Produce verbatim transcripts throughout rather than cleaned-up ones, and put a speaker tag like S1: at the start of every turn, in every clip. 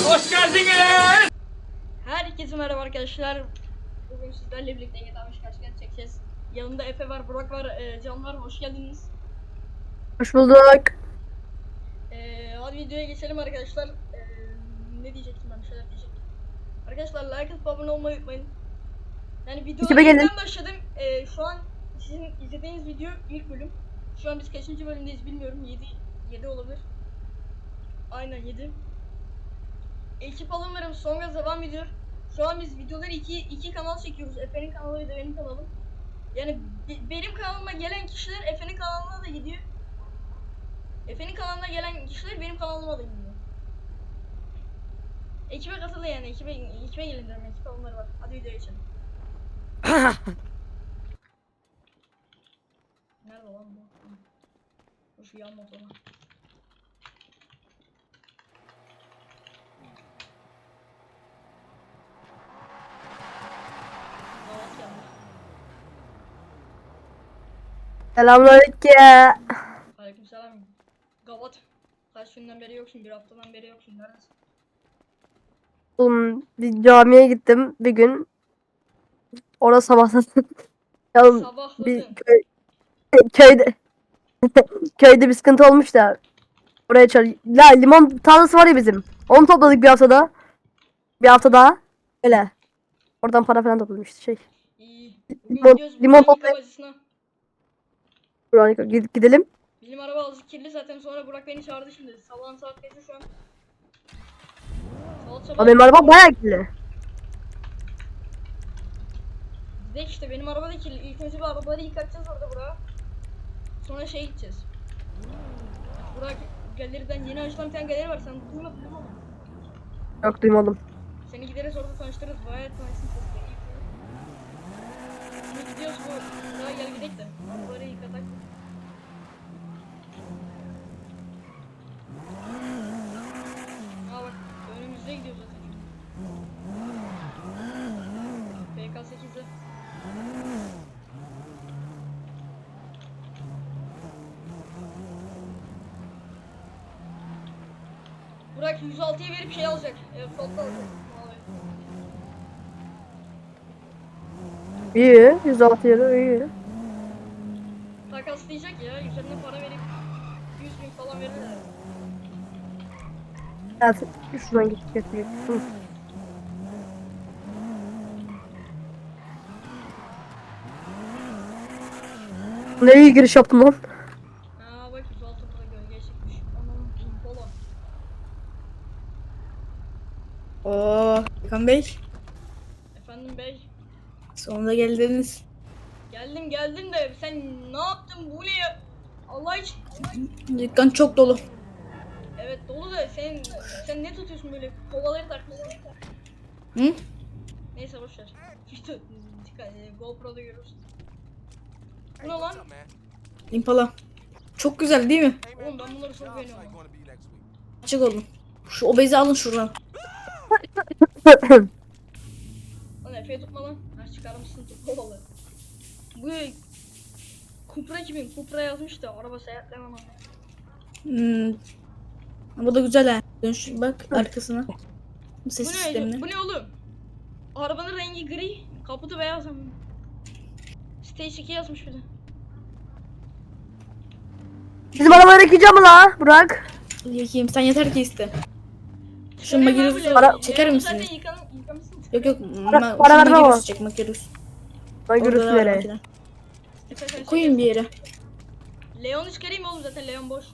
S1: Hoş geldiniz.
S2: Herkese merhaba arkadaşlar. Bugün sizlerle birlikte G T A beş karşıya çekeceğiz. Yanımda Efe var, Burak var, e, Can var. Hoş geldiniz.
S3: Hoş bulduk.
S2: E, hadi videoya geçelim arkadaşlar. E, ne diyecektim ben? Bir şeyler diyecektim. Arkadaşlar like atıp abone olmayı unutmayın. Yani videoya yeniden başladım. E, şu an sizin izlediğiniz video ilk bölüm. Şu an biz kaçıncı bölümdeyiz bilmiyorum. yedi yedi olabilir. Aynen yedi. Ekip alımlarım son gaz devam ediyor. Şu an biz videoları iki, iki kanal çekiyoruz. Efe'nin kanalı ve de benim kanalım. Yani be, benim kanalıma gelen kişiler Efe'nin kanalına da gidiyor. Efe'nin kanalına gelen kişiler benim kanalıma da gidiyor. Ekibe katılın yani. Ekibe, ekibe gelin diyorum. Ekip alımları var. Hadi videoya geçelim. Nerede lan bu? Şu yan motoru.
S3: Selamünaleyküm.
S2: Aleykümselam. Gavat. Kaç günden beri yoksun? Bir haftadan beri yoksun. Neredesin?
S3: Oğlum bir camiye gittim bir gün. Orada sabahladım. Ya
S2: Sabahladın.
S3: bir köy, köyde köyde bir sıkıntı olmuş da oraya çağır. Ya limon tarlası var ya bizim. Onu topladık bir haftada. Bir hafta daha. Öyle. Oradan para falan topladım işte şey.
S2: İyi. Bugün
S3: Limon,
S2: gidiyoruz
S3: limon
S2: Burak'ın
S3: toplayıp
S2: bacısına.
S3: Burak'a gidelim.
S2: Bizim araba azıcık kirli zaten, sonra Burak beni çağırdı şimdi. Sabahın saat kaçı şu an? Saat sabah.
S3: Ama benim araba bayağı kirli.
S2: De işte benim araba da kirli. İlk önce bir arabaları yıkatacağız orada Burak'a. Sonra şey gideceğiz. Burak galeriden yeni açılan bir tane galeri var. Sen duymadın değil mi onu?
S3: Yok duymadım.
S2: Seni gideriz orada tanıştırırız. Bayağı tanışsın sesleri. Şimdi gidiyoruz bu. Daha gel gidelim de. Arabaları yıkatak. Aa bak önümüzde gidiyor zaten. P K sekiz'de. Burak yüz altıya verip şey alacak. Evet, topla alacak.
S3: İyi. yüz altı euro iyi.
S2: Takaslayacak ya. Üzerine para verip yüz bin falan verirler.
S3: Evet. Şuradan geç getireyim. Hı. Ne iyi giriş yaptım lan.
S2: Aa bak yüz altı burada gölge çıkmış. Anam polo.
S4: Oo, Hakan Bey,
S2: Efendim bey.
S4: sonunda geldiniz.
S2: Geldim geldim de sen ne yaptın bu ne ya? Allah için.
S4: Dükkan çok dolu.
S2: Evet dolu da sen sen ne tutuyorsun böyle kovaları takmışsın.
S4: Hı?
S2: Neyse boşver. İşte GoPro'da görürsün. Bu ne lan?
S4: Impala. Çok güzel değil mi?
S2: Oğlum ben bunları çok beğeniyorum. Lan.
S4: Açık olun. Şu obezi alın şuradan.
S2: Lan Efe'yi tutma lan. Ha çıkarmışsın tut kovaları. Bu Cupra kimin? Cupra yazmış da araba seyahatlemem ama.
S4: Hmm. Bu da güzel ha. Dön şu bak arkasına.
S2: Bu
S4: Ses
S2: ne?
S4: sistemine.
S2: Bu ne oğlum? Arabanın rengi gri, kaputu beyaz ama. Stage iki yazmış bir de.
S3: Bizim arabayı yıkayacağım mı la Burak?
S4: Yakayım sen yeter ki iste. Şu
S2: Şuraya ver
S4: Magirus'u
S2: bile.
S4: ara çeker
S2: Leon'u
S4: misin?
S2: zaten yıkan, yıkamışsın.
S4: Yok yok.
S3: Para-
S4: Ma
S3: para
S4: şu
S3: verme
S4: Magirus'u
S3: ama.
S4: çek Magirus.
S3: Ben
S4: Orada
S3: görürsün
S4: da var
S3: nereye.
S4: makine.
S2: Efe sen
S4: Koyun bir yere.
S2: Leon'u çıkarayım oğlum zaten Leon boş.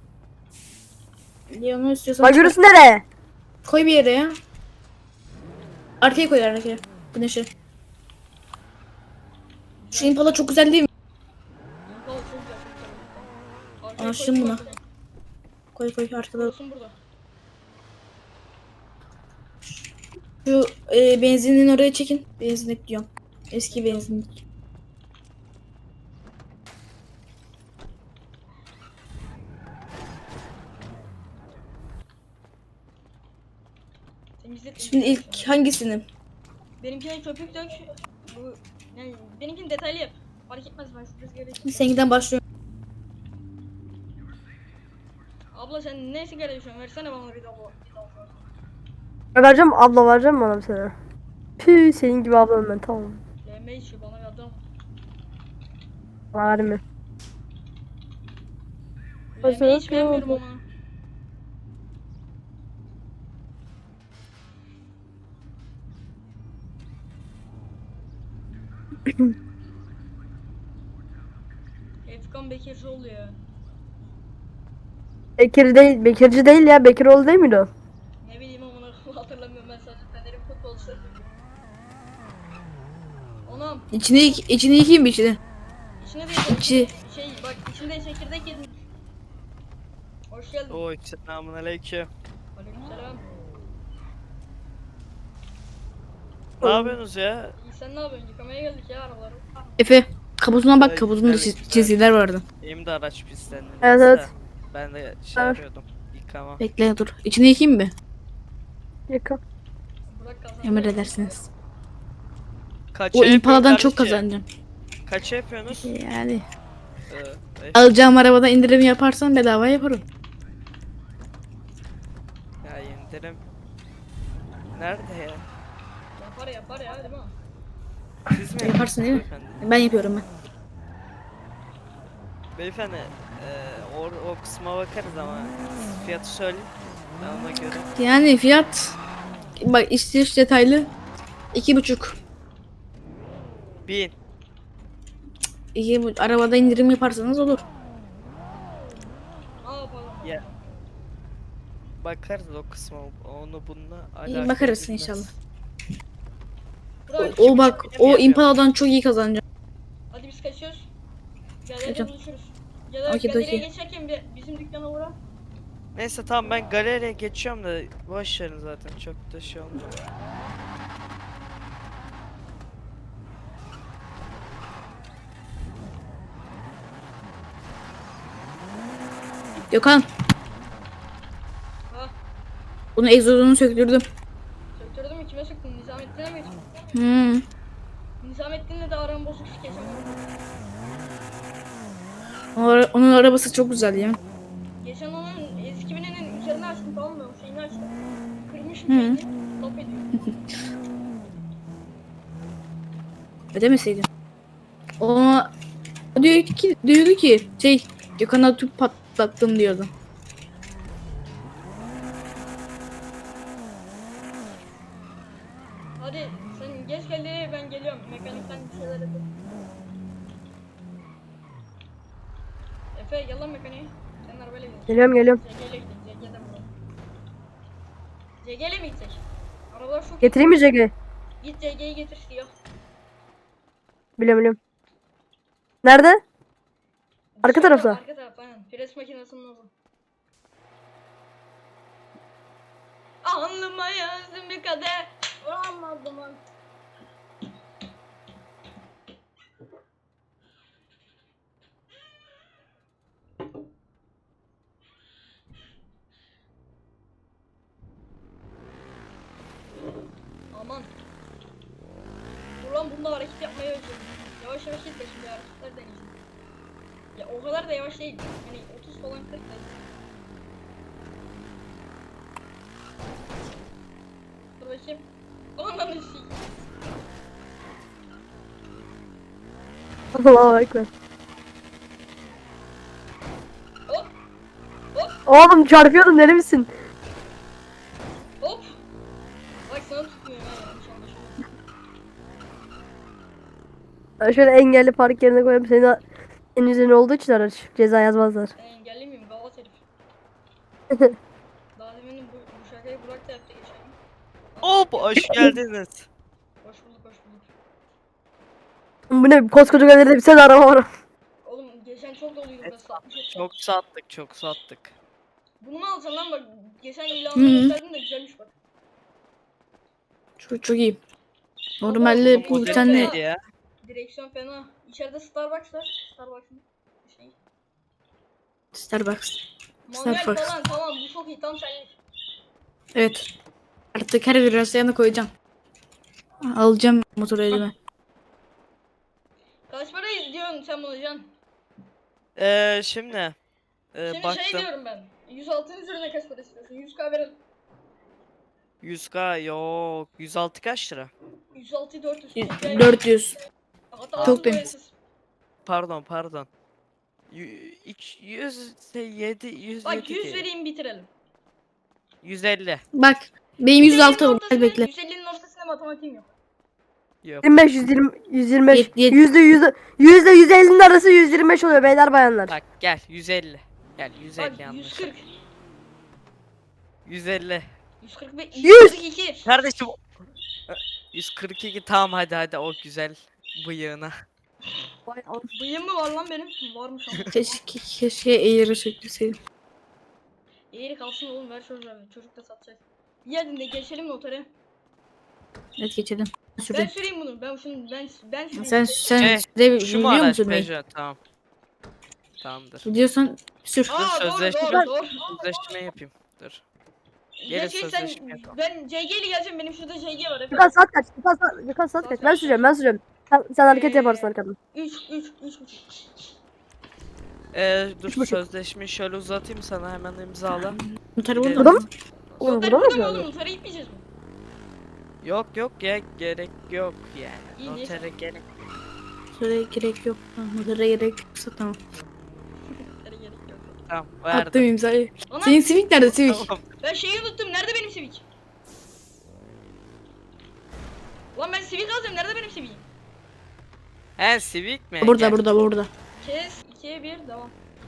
S4: Leon'u istiyorsan
S3: Ben
S4: çıkar.
S3: görürsün nereye?
S4: Koy bir yere ya. Arkaya koy arkaya. Güneşe. Şu Impala çok güzel değil mi?
S2: Impala çok güzel çok güzel. Arkaya
S4: Aşığım
S2: koydum
S4: buna.
S2: arkaya.
S4: Koy koy arkada.
S2: Olsun burada.
S4: Şu e, benzinin oraya çekin. Benzinlik diyorum. Eski benzinlik.
S2: Temizlet.
S4: Şimdi ilk hangisini?
S2: Benimkine köpük dök. Bu yani benimkini detaylı yap. Fark etmez ben şu rüzgarı içeyim.
S4: Seninkinden başlıyorum.
S2: Abla sen ne sigara içiyorsun? Versene bana bir daha bu.
S3: Vereceğim abla, vereceğim mi bana bir sana? Püh, senin gibi ablam ben, tamam.
S2: L M içiyor bana bir adam.
S3: Bana verme.
S2: L M hiç beğenmiyorum ama. Efkan Bekircioğlu ya.
S3: Bekir değil, Bekirci değil ya. Bekiroğlu değil miydi o?
S2: Ne bileyim ama onu hatırlamıyorum ben sadece Fener'in futbolcusu. Anam
S4: İçine, içine yıkayayım bir içine.
S2: içine de
S4: İçi.
S2: şey bak içinde çekirdek yedim. Hoş geldin.
S1: Oy selamun aleyküm.
S2: Aleykümselam.
S1: Ne yapıyorsunuz ya?
S2: İyi sen ne yapıyorsun? Yıkamaya geldik ya arabaları.
S4: Efe kaputuna bak,
S1: Ay,
S4: kaputunda
S1: güzel,
S4: çiz-
S1: güzel.
S4: çizgiler vardı.
S1: Benim de araç pislendi.
S3: Evet,
S1: biraz
S3: evet.
S1: da. Ben de şey
S3: Var.
S1: yapıyordum. Yıkama.
S4: Bekle dur. İçine yıkayayım mı?
S3: Yıka.
S2: Bırak kazan.
S4: Emredersiniz.
S1: Kaça
S4: O
S1: yapıyorsun
S4: impaladan çok
S1: kardeşim?
S4: kazanacağım.
S1: Kaça yapıyorsunuz?
S4: Yani.
S1: Ee, beş.
S4: Alacağım arabadan indirim yaparsan bedava yaparım.
S1: Ya indirim. Nerede ya?
S2: Yapar yapar ya değil mi?
S1: Siz mi
S4: Yaparsın değil mi?
S1: beyefendi?
S4: Ben yapıyorum ben.
S1: Beyefendi e, o, o kısma bakarız ama siz fiyatı söyleyin. Ben ona göre.
S4: Yani fiyat bak istiş detaylı iki buçuk.
S1: Bin.
S4: İki, bu- arabada indirim yaparsanız olur.
S2: Ne yapalım?
S1: Ya. Bakarız o kısma. Onu bununla
S4: İyi
S1: alakalı
S4: bakarız
S1: bilmez.
S4: inşallah.
S2: Bırak.
S4: O bak
S1: bin
S4: o
S1: yapıyor.
S4: impaladan çok iyi kazanacağım.
S2: Hadi biz kaçıyoruz. Galeride
S4: Hocam.
S2: buluşuruz. Ya da
S4: Okey,
S2: galeriye
S4: okey.
S2: geçerken bir bizim dükkana uğra.
S1: Neyse tamam ben galeriye geçiyorum da boş verin zaten çok da şey olmuyor.
S4: Gökhan
S2: Ha.
S4: bunun egzozunu söktürdüm.
S2: Söktürdün mü? Kime söktün? Nizamettin'e mi götürdün?
S4: Hmm.
S2: Nizamettin'le de aram bozuk geçen gün.
S4: O ara- Onun arabası çok güzel ya.
S2: Geçen onun eski bininin üzerine açtım tamam mı? O şeyini açtım. Kırmışım
S4: Hı.
S2: şeyini. Laf ediyor.
S4: Ödemeseydin. O, o diyor ki diyordu ki şey Gökhan'a tüp patlattım diyordu.
S2: Hadi sen geç geldi ben geliyorum. Mekanikten bir şeyler yapayım. Efe gel lan mekaniğe. Sen arabayla gidiyorsun.
S3: Geliyorum, geliyorum.
S2: C G'yle gidelim. C G'den bulalım. C G'yle mi gidecek? Arabalar çok iyi.
S3: Getireyim mi Jag'i?
S2: Git C G'yi getir diyor.
S3: Biliyorum, biliyorum. Nerede? Arka
S2: Dışarıda,
S3: tarafta.
S2: Arka taraf aynen. Pres makinesinin orada. Alnıma yazdım bir kadeh. Vuramadım lan. Aman. Dur lan bunda hareket yapmayı özledim. Yavaş yavaş git de şimdi hareketler deneyeceğim. Ya o kadar da yavaş değil. Hani otuz falan kırk da. Dur bakayım. Ananı sikeyim.
S3: Allah'a ekber.
S2: Hop
S3: Oğlum çarpıyordum, deli misin?
S2: hop. Bak sana tutmuyor ha yanlış anlaşılma.
S3: Ben şöyle engelli park yerine koyayım. Senin, senin üzerine olduğu için araç. Ceza yazmazlar.
S2: Ben engelli miyim? Gavat herif. Daha demin bu, bu şakayı Burak da yaptı geçen gün.
S1: Hop hoş geldiniz.
S2: Hoş bulduk hoş bulduk.
S3: Bu ne, koskoca galeride bir sene araba var.
S2: Oğlum geçen çok doluydu burası. altmış otuz.
S1: Çok sattık çok sattık.
S2: Bunu mu alacaksın lan bak. Geçen
S4: Hı
S2: ilanını
S4: hı.
S2: gösterdin de güzelmiş bak.
S4: Çok çok iyi.
S2: Baba,
S4: Normalde
S2: bu
S4: bu bir
S2: model
S4: tane
S1: neydi ya?
S2: Direksiyon fena. İçeride Starbucks var. Starbucks'ın şey.
S4: Starbucks.
S2: Manuel
S4: Starbucks.
S2: falan tamam bu çok iyi tam senlik.
S4: Evet. Artık her virajda koyacağım. Alacağım motoru elime.
S2: Kaç para diyorsun sen bunu Can?
S1: Ee, şimdi e,
S2: Şimdi
S1: baktım.
S2: şey diyorum ben. yüz altının üzerine kaç para istiyorsun? yüz K verelim.
S1: yüz K yok. yüz altı kaç lira?
S2: yüz altı dört yüz.
S4: dört yüz.
S2: Hatta
S4: Çok
S2: altı
S4: temiz.
S2: boyasız.
S1: Pardon pardon. Yü- iki- yüz yedi yüz
S2: Bak
S1: yedi
S2: yüz
S1: ki.
S2: vereyim bitirelim.
S1: yüz elli.
S4: Bak benim yüz altı bu. Gel
S2: ortasına,
S4: bekle.
S2: yüz ellinin ortasına matematiğim yok.
S1: Yok.
S3: yirmi beş, yüz yirmi, yüz yirmi beş.
S4: Yet- yet-
S3: Yüzde yüzde yüzde yüz ellinin arası yüz yirmi beş oluyor beyler bayanlar.
S1: Bak gel yüz elli. Gel
S2: Bak
S1: yüz elli
S2: yüz
S1: yanlış.
S2: kırk.
S1: yüz elli.
S2: yüz kırk beş.
S3: Yüz.
S2: yüz kırk iki.
S1: Kardeşim yüz kırk iki tamam hadi hadi o güzel bıyığına.
S2: Bıyığım mı var lan benim? Varmış ama.
S4: Keşke, keşke eğri çekilseydim.
S2: Eğri kalsın oğlum ver çocuğa. Çocuk da satacak. Yarın da geçelim notere.
S4: Evet geçelim.
S2: Ben
S4: Süreceğim.
S2: süreyim bunu. Ben şunu ben ben süreyim.
S4: Sen sen
S1: Şey,
S4: süre
S1: Şu mu
S4: biliyor
S1: araç
S4: musun bey?
S1: Peugeot? Tamam. Tamamdır.
S4: Biliyorsan sür.
S2: Aa doğru
S1: sözleşme-
S2: doğru doğru.
S1: Sözleşme yapayım. Dur.
S2: Ya
S1: Gelin
S2: şey sen
S1: sözleşme yapalım.
S2: ben C G ile geleceğim. Benim şurada C G var.
S3: Gökhan saat kaç? Gökhan saat, Gökhan saat kaç? Ben sürüyorum ben sürüyorum. Sen, sen hareket
S2: Ee,
S3: yaparsın arkadan.
S2: üç üç üç buçuk.
S1: Ee, dur
S3: Üç buçuk.
S1: sözleşmeyi şöyle uzatayım sana hemen imzala.
S4: Noter
S1: Gidelim.
S4: burada
S3: Burada
S4: mı?
S3: mı? Oğlum
S2: Noter
S3: burada mı
S2: burada mı
S3: yapıyorsun?
S2: oğlum? Notere gitmeyeceğiz mi?
S1: Yok yok ya gerek yok yani.
S2: İyi, neyse.
S1: Notere gerek.
S4: Notere gerek yok. Ha, Notere gerek yoksa tamam.
S2: Notere gerek yok.
S1: Tamam verdim.
S4: Attım imzayı.
S2: Ana
S4: Senin Civic nerede Civic?
S1: Tamam.
S2: ben şeyi unuttum. Nerede benim Civic? Lan ben Civic alacağım. Nerede benim Civic'im?
S1: He Civic mi?
S4: Burada
S1: Gel.
S4: burada burada.
S2: Kes ikiye bir devam.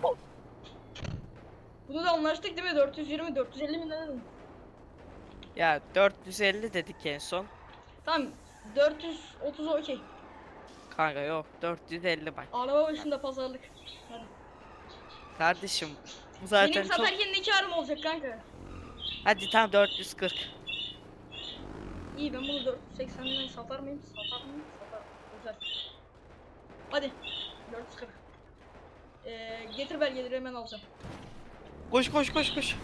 S2: Bunu da anlaştık değil mi? dört yüz yirmi dört yüz elli mi ne dedim?
S1: Ya dört yüz elli dedik en son.
S2: Tamam dört yüz otuz okey.
S1: Kanka yok dört yüz elli bak.
S2: Araba başında pazarlık. Hadi.
S1: Kardeşim bu zaten
S2: Benim
S1: çok.
S2: satarken ne karım olacak kanka?
S1: Hadi tam dört yüz kırk.
S2: İyi ben bunu dört yüz seksenden satar mıyım? Satar mıyım? Satarım. Güzel. Hadi. dört yüz kırk. Ee, getir belgeleri hemen alacağım.
S1: Koş koş koş koş.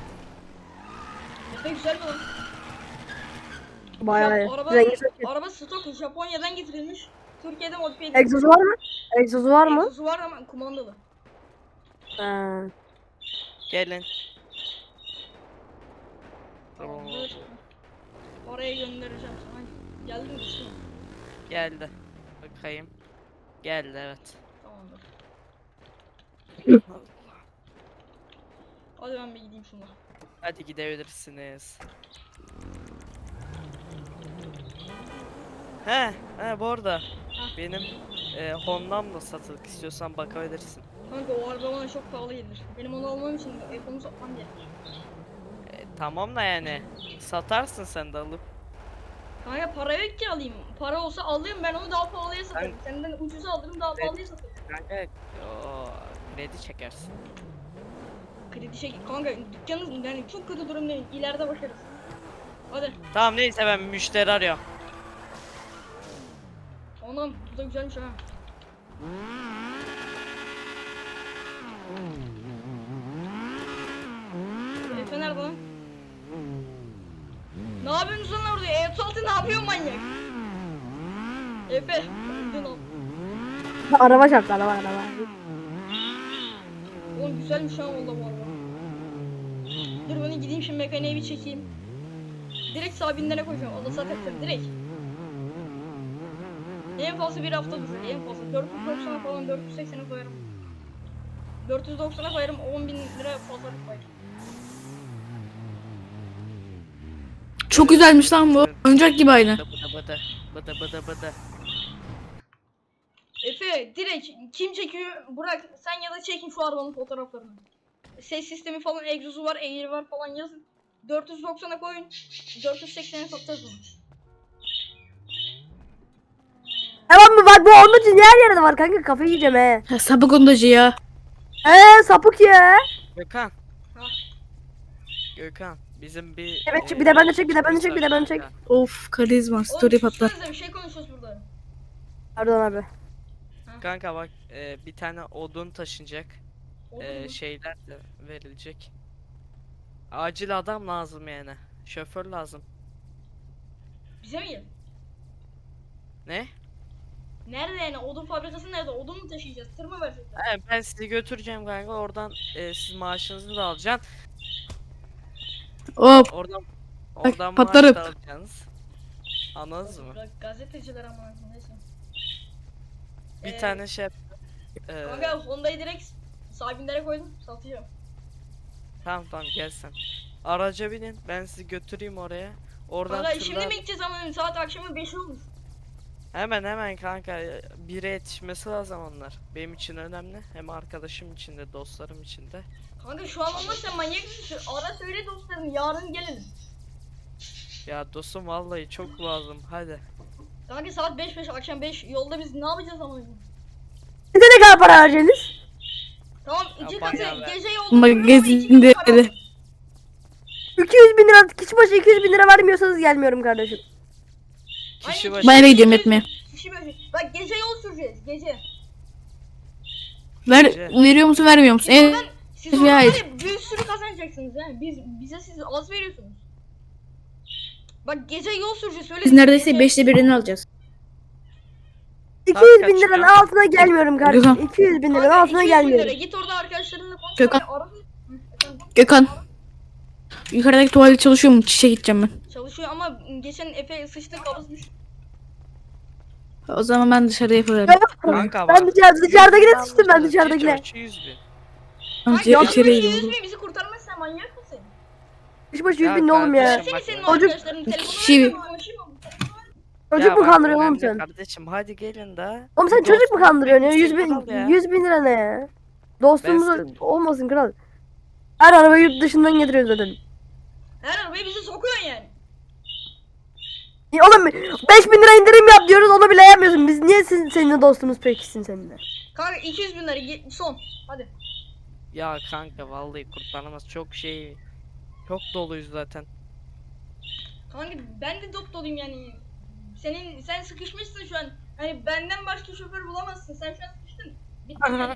S2: Ne güzel mi lan?
S3: Bayağı iyi.
S2: Jap- Araba,
S3: Rengi çok iyi.
S2: araba stok Japonya'dan getirilmiş. Türkiye'de modifiye edilmiş.
S3: Egzozu var mı? Egzozu var mı?
S2: Egzozu var ama kumandalı.
S3: Ha.
S1: Gelin.
S2: Tamamdır. Oraya göndereceğim sana. Geldi mi düştü mü?
S1: Geldi. Bakayım. Geldi evet.
S2: Tamamdır. Hadi ben bir gideyim şuna.
S1: Hadi gidebilirsiniz. He, he bu arada benim e, Honda'm da satılık istiyorsan bakabilirsin.
S2: Kanka o araba bana çok pahalı gelir. Benim onu almam için Apple'ımı satmam gerek.
S1: E, tamam da yani satarsın sen de alıp.
S2: Kanka para yok ki alayım. Para olsa alayım ben onu daha pahalıya satarım. Senden ucuza alırım daha
S1: Evet.
S2: pahalıya satarım.
S1: Kanka o kredi çekersin.
S2: Kredi şey kanka dükkanın yani çok kötü durumdayım. İleride bakarız. Hadi.
S1: Tamam neyse ben müşteri arıyorum.
S2: Anam bu da güzelmiş ha. Efe nerede lan? Ne yapıyorsunuz lan orada? E otuz altı ne yapıyor manyak? Efe. Öldün lan.
S3: Araba çarptı araba araba.
S2: Oğlum güzelmiş ha valla bu araba. Dur bunu gideyim şimdi mekaniğe bir çekeyim. Direkt sabinlere koyacağım. Allah zaten direkt. En fazla bir hafta durur. En fazla dört yüz doksana falan dört yüz seksene koyarım. dört yüz doksana koyarım on bin lira pazarlık koyarım.
S4: Çok güzelmiş lan bu. Oyuncak gibi aynı.
S1: Bıdı bıdı bıdı bıdı bıdı bıdı.
S2: Efe direkt kim çekiyor? Burak sen ya da çekin şu arabanın fotoğraflarını. Ses sistemi falan egzozu var, eğri var falan yazın. dört yüz doksana koyun. dört yüz seksene satacağız bunu.
S3: Tamam mı bak bu onun için her yerde var kanka kafayı yiyeceğim he.
S4: Ha, sapık ondacı ya.
S3: Eee sapık ya.
S1: Gökhan.
S2: Ha.
S1: Gökhan bizim bir
S3: Evet,
S1: e,
S3: bir de ben de çek, bir de ben de çek, bir de ben de çek.
S1: kanka.
S4: Of karizma story
S2: Oğlum
S4: patlar.
S2: sussanıza, bir şey konuşuyoruz burada.
S3: Pardon abi.
S1: Kanka bak e, bir tane odun taşınacak.
S2: Oldu
S1: E,
S2: mu?
S1: şeyler de verilecek. Acil adam lazım yani. Şoför lazım.
S2: Bize mi gel?
S1: Ne?
S2: Nerede yani? Odun fabrikası nerede? Odun mu taşıyacağız? Tır mı verecekler?
S1: He, ben sizi götüreceğim kanka. Oradan e, siz maaşınızı da alacaksın.
S4: Hop.
S1: Oradan Oradan
S4: patlarım.
S1: maaş da alacaksınız. Anladınız mı?
S2: Ga- Gazeteciler ama neyse.
S1: Bir
S2: Ee,
S1: tane şey yap- Ee,
S2: Kanka Honda'yı direkt sahibinlere koydum. Satacağım.
S1: tamam tamam gel sen. Araca binin, ben sizi götüreyim oraya. Oradan
S2: Kanka
S1: tırla-
S2: şimdi mi gideceğiz ama saat akşamı beş olmuş.
S1: Hemen hemen kanka, bire yetişmesi lazım onlar. Benim için önemli. Hem arkadaşım için de dostlarım için de.
S2: Kanka şu an olmaz sen manyak mısın? Ara söyle dostlarım yarın gelelim.
S1: Ya dostum vallahi çok lazım, hadi.
S2: Kanka saat beş beş akşam beş yolda biz ne yapacağız ama?
S3: Size ne kadar para harcayacaksınız?
S2: Tamam
S1: Ya
S2: iki
S1: bayağı
S2: katı
S1: be.
S2: gece yolda
S4: Magazinde öyle.
S3: iki yüz bin lira, kişi başı iki yüz bin lira vermiyorsanız gelmiyorum kardeşim.
S1: Kişi
S2: Aynen,
S1: başı
S4: Ben eve gidiyorum etmeye.
S2: Kişi başı. Bak gece yol süreceğiz gece.
S4: Ver,
S1: Gece.
S4: veriyor musun vermiyor musun?
S2: Siz
S4: Evet.
S2: oradan, siz
S4: bir
S2: oradan
S4: ay.
S2: var ya bir sürü kazanacaksınız yani. Biz bize siz az veriyorsunuz. Bak gece yol süreceğiz öyle.
S4: Biz neredeyse
S2: gece-
S4: beşte birini alacağız.
S3: iki
S1: Saat
S3: yüz
S1: kaç
S3: bin liranın
S1: ya?
S3: altına gelmiyorum kardeşim.
S4: Gökhan.
S3: iki yüz bin liranın
S2: Kanka
S3: altına
S2: iki yüz bin lira.
S3: gelmiyorum.
S2: Git orada arkadaşlarınla konuş.
S4: Gökhan.
S2: Ara- ara- Hı, efendim.
S4: Gökhan. Yukarıdaki tuvalet çalışıyor mu? Çişe gideceğim ben.
S2: Çalışıyor ama geçen Efe sıçtı kabızmış.
S4: O zaman ben dışarıda yaparım.
S1: Kanka
S3: Ben
S1: bak.
S3: dışarı, dışarıdakine
S1: yüz bin
S3: sıçtım ben
S1: almışlar,
S3: düzerindekine.
S1: kişi başı yüz bin.
S2: Kanka
S4: Ya,
S2: kişi
S4: içeriye
S2: başı
S4: gidiyorum.
S2: yüz bin bizi kurtarmazsan manyak mısın?
S3: Kişi başı yüz
S1: Ya
S3: bin ne oğlum ya?
S1: kardeşim,
S2: Seni
S1: bak
S2: senin
S1: ya.
S3: Çocuk-
S2: arkadaşların telefonu
S4: Kişi-
S2: ver, ben konuşayım mı?
S3: Çocuk
S1: Ya
S3: mu
S1: bak,
S3: kandırıyorsun oğlum
S1: önemli
S3: sen?
S1: Kardeşim hadi gelin de.
S3: Oğlum sen
S1: Bir
S3: çocuk mu
S1: dostluk,
S3: kandırıyorsun ya?
S1: bir
S3: yüz
S1: şey
S3: bin,
S1: kral ya.
S3: yüz bin lira ne ya? Dostumuz
S1: Ben
S3: olmasın kral. Her arabayı yurt dışından getiriyoruz zaten.
S2: Her arabayı bizi sokuyorsun yani.
S3: Ya oğlum beş bin lira indirim yap diyoruz onu bile yapmıyorsun. Biz niye sizin, seninle dostumuz pekişsin seninle?
S2: Kanka iki yüz bin lira ge- son. Hadi.
S1: Ya kanka vallahi kurtarmaz, çok şey. Çok doluyuz zaten.
S2: Kanka ben de dop doluyum yani. Senin sen sıkışmışsın şu an. Hani benden başka şoför bulamazsın. Sen şu an sıkıştın. Bittin yani.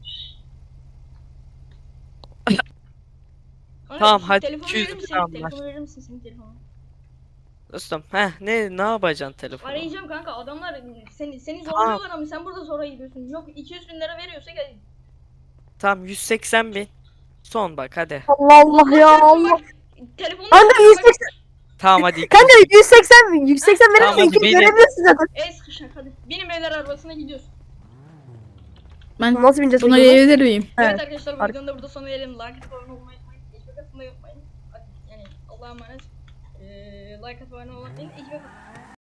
S2: Kanka,
S1: Tamam,
S2: şu
S1: hadi
S2: telefonu
S1: iki yüz
S2: verir misin?
S1: lira anlaş.
S2: Telefonu verir misin senin telefonu?
S1: Dostum heh, ne ne yapacaksın telefonu?
S2: Arayacağım kanka adamlar seni seni
S1: Tamam.
S2: zorluyorlar ama sen burada zora gidiyorsun. Yok iki yüz bin lira veriyorsa gel.
S1: Tamam yüz seksen bin. Son bak hadi.
S3: Allah Allah ya
S2: çarpsın
S3: Allah.
S2: bak, Telefonu
S3: Kanka yüz
S2: bak,
S3: seksen,
S1: Tamam hadi.
S3: kanka yüz seksen, yüz seksen verir
S1: Tamam,
S3: misin?
S1: hadi
S3: İki
S1: benim.
S3: görebiliyorsun zaten.
S2: el sıkışak hadi. Benim evler arabasına gidiyoruz.
S4: Ben
S3: Nasıl bineceğiz
S4: buna
S3: peki?
S4: gelebilir miyim?
S3: Evet.
S2: Evet arkadaşlar bu
S3: Ar-
S2: videonun da burada sona gelelim. Like atıp abone olmayı unutmayın. Ekmek atmayı unutmayın. Hadi, yani Allah'a emanet. Ee, like atıp abone olmayı unutmayın. Ekmek atın.